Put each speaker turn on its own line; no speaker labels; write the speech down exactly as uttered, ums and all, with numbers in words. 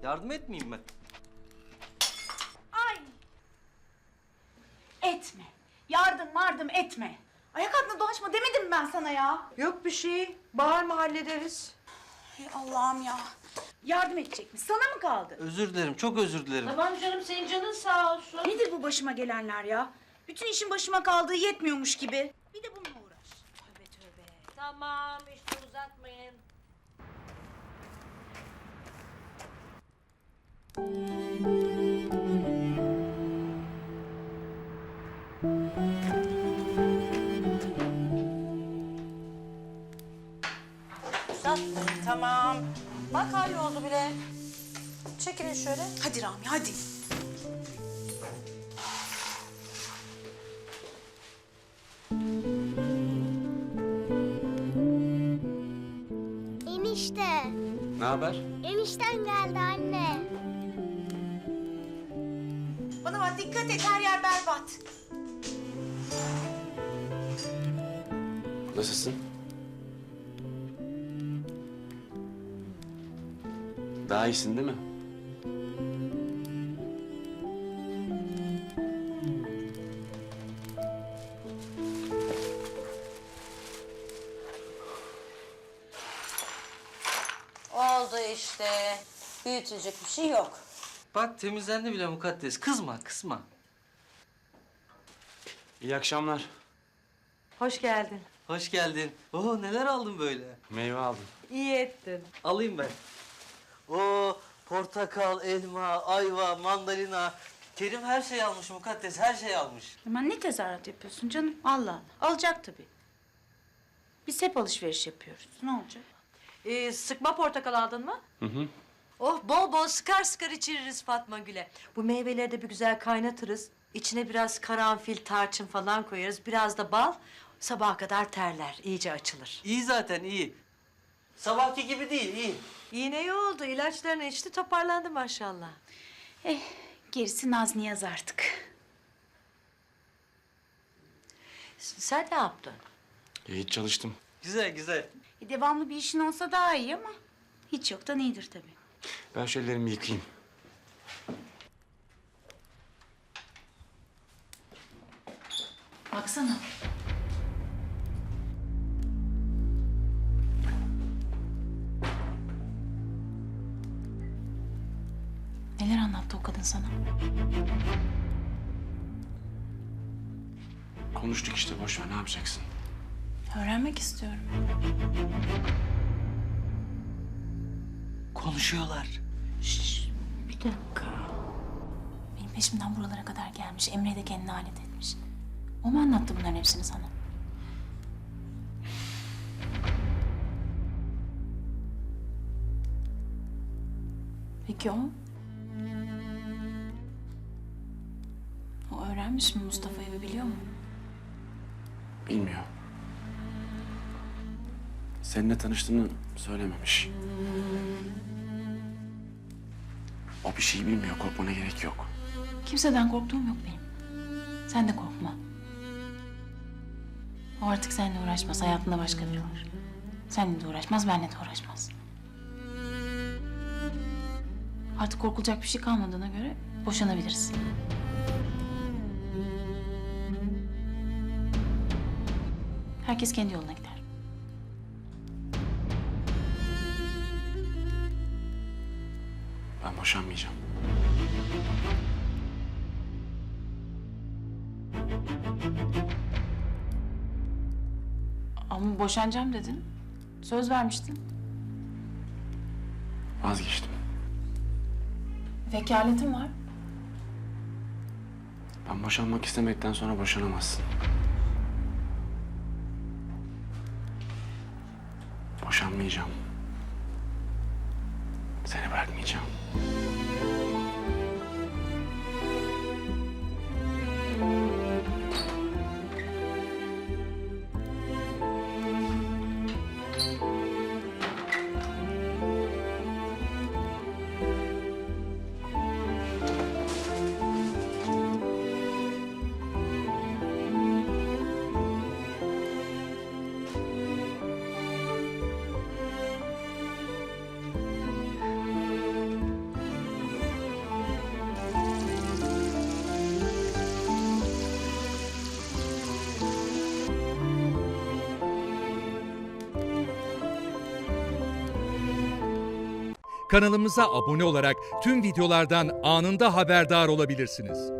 Yardım etmeyeyim mi?
Ay! Etme. Yardım mardım etme. Ayak altına dolaşma demedim mi ben sana ya?
Yok bir şey. Bağırma hallederiz.
Ey Allah'ım ya. Yardım edecek mi? Sana mı kaldı?
Özür dilerim, çok özür dilerim.
Tamam canım senin canın sağ olsun.
Nedir bu başıma gelenler ya? Bütün işin başıma kaldığı yetmiyormuş gibi. Bir de bununla uğraş. Tövbe tövbe.
Tamam işte uzatmayın. Uzatmayın tamam. Bak halloldu bile. Çekilin şöyle.
Hadi Rami hadi.
Enişte.
Ne haber?
Enişten geldi anne.
Bana bak dikkat et her yer berbat.
Nasılsın? Daha iyisin değil mi?
Oldu işte. Büyütecek bir şey yok.
Bak temizlendi bile mukaddes. Kızma, kızma.
İyi akşamlar.
Hoş geldin.
Hoş geldin. Oo neler aldın böyle?
Meyve aldım.
İyi ettin.
Alayım ben. Oo portakal, elma, ayva, mandalina. Kerim her şeyi almış mukaddes, her şeyi almış.
Hemen ne tezahürat yapıyorsun canım? Allah Allah. Alacak tabii. Biz hep alışveriş yapıyoruz. Ne olacak?
Ee, sıkma portakal aldın mı?
Hı hı.
Oh bol bol sıkar sıkar içiririz Fatma Gül'e. Bu meyveleri de bir güzel kaynatırız. İçine biraz karanfil, tarçın falan koyarız. Biraz da bal. Sabaha kadar terler, iyice açılır.
İyi zaten, iyi. Sabahki gibi değil, iyi.
Yine iyi oldu. İlaçlarını içti, toparlandı maşallah.
Eh, gerisi Naz Niyaz artık.
S- Sen ne yaptın?
Hiç çalıştım.
Güzel, güzel.
E, devamlı bir işin olsa daha iyi ama hiç yoktan iyidir tabii.
Ben şu ellerimi yıkayayım.
Baksana. Neler anlattı o kadın sana?
Konuştuk işte boş ver ne yapacaksın?
Öğrenmek istiyorum.
Konuşuyorlar.
Şşş, bir dakika. Benim peşimden buralara kadar gelmiş. Emre'yi de kendine alet etmiş. O mu anlattı bunların hepsini sana? Peki o? O öğrenmiş mi Mustafa'yı ve biliyor mu?
Bilmiyor. Seninle tanıştığını söylememiş. O bir şey bilmiyor korkmana gerek yok.
Kimseden korktuğum yok benim. Sen de korkma. O artık seninle uğraşmaz. Hayatında başka biri var. Seninle de uğraşmaz, benimle de uğraşmaz. Artık korkulacak bir şey kalmadığına göre boşanabiliriz. Herkes kendi yoluna gider.
Ben boşanmayacağım.
Ama boşanacağım dedin. Söz vermiştin.
Vazgeçtim.
Vekaletin var.
Ben boşanmak istemekten sonra boşanamazsın. Boşanmayacağım. Seni bırakmayacağım.
kanalımıza abone olarak tüm videolardan anında haberdar olabilirsiniz.